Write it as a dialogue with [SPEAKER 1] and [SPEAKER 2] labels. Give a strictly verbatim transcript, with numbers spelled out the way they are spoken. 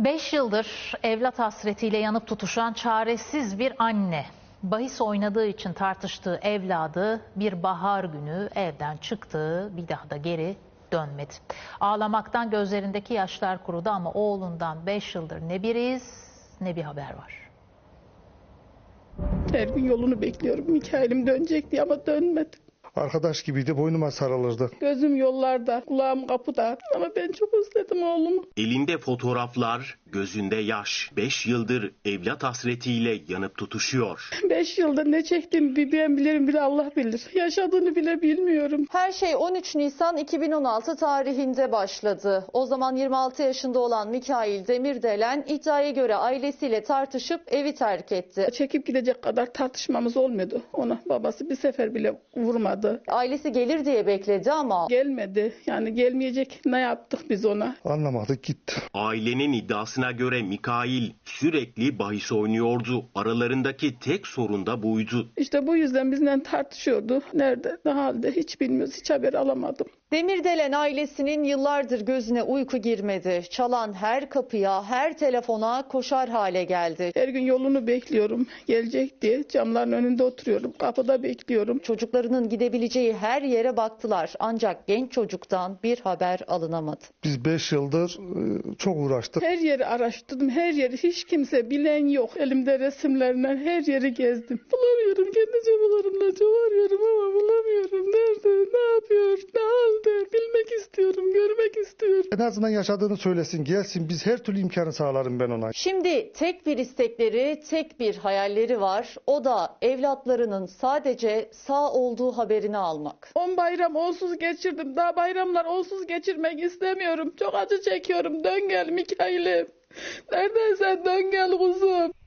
[SPEAKER 1] Beş yıldır evlat hasretiyle yanıp tutuşan çaresiz bir anne. Bahis oynadığı için tartıştığı evladı bir bahar günü evden çıktı, bir daha da geri dönmedi. Ağlamaktan gözlerindeki yaşlar kurudu ama oğlundan beş yıldır ne bir iz ne bir haber var.
[SPEAKER 2] Her gün yolunu bekliyorum. Mikail'im dönecek diye ama dönmedi.
[SPEAKER 3] Arkadaş gibiydi, boynuma sarılırdı.
[SPEAKER 2] Gözüm yollarda, kulağım kapıda ama ben çok özledim oğlumu.
[SPEAKER 4] Elinde fotoğraflar, gözünde yaş. Beş yıldır evlat hasretiyle yanıp tutuşuyor.
[SPEAKER 2] Beş yılda ne çektiğimi bir ben bilirim, bir de Allah bilir. Yaşadığını bile bilmiyorum.
[SPEAKER 5] Her şey on üç Nisan iki bin on altı tarihinde başladı. O zaman yirmi altı yaşında olan Mikail Demirdelen iddiaya göre ailesiyle tartışıp evi terk etti.
[SPEAKER 2] Çekip gidecek kadar tartışmamız olmuyordu ona. Babası bir sefer bile vurmadı.
[SPEAKER 5] Ailesi gelir diye bekledi ama
[SPEAKER 2] Gelmedi. Yani gelmeyecek, ne yaptık biz ona?
[SPEAKER 3] Anlamadık, gitti.
[SPEAKER 4] Ailenin iddiasına göre Mikail sürekli bahis oynuyordu. Aralarındaki tek sorun da buydu.
[SPEAKER 2] İşte bu yüzden bizden tartışıyordu. Nerede, ne halde hiç bilmiyoruz. Hiç haber alamadım.
[SPEAKER 5] Demirdelen ailesinin yıllardır gözüne uyku girmedi. Çalan her kapıya, her telefona koşar hale geldi.
[SPEAKER 2] Her gün yolunu bekliyorum. Gelecek diye camların önünde oturuyorum. Kapıda bekliyorum.
[SPEAKER 5] Çocuklarının gidebileceği her yere baktılar. Ancak genç çocuktan bir haber alınamadı.
[SPEAKER 3] Biz beş yıldır e, çok uğraştık.
[SPEAKER 2] Her yeri araştırdım. Her yeri, hiç kimse bilen yok. Elimde resimlerinden her yeri gezdim. Bulamıyorum. Kendi çabalarımla çok arıyorum ama bulamıyorum. Nerede, ne yapıyor, ne halde? Bilmek istiyorum, görmek istiyorum.
[SPEAKER 3] En azından yaşadığını söylesin, gelsin. Biz her türlü imkanı sağlarım ben ona.
[SPEAKER 5] Şimdi tek bir istekleri, tek bir hayalleri var. O da evlatlarının sadece sağ olduğu haberini almak.
[SPEAKER 2] On bayram onsuz geçirdim. Daha bayramlar onsuz geçirmek istemiyorum. Çok acı çekiyorum. Dön gel Mikail'im. Neredeysen dön gel kuzum.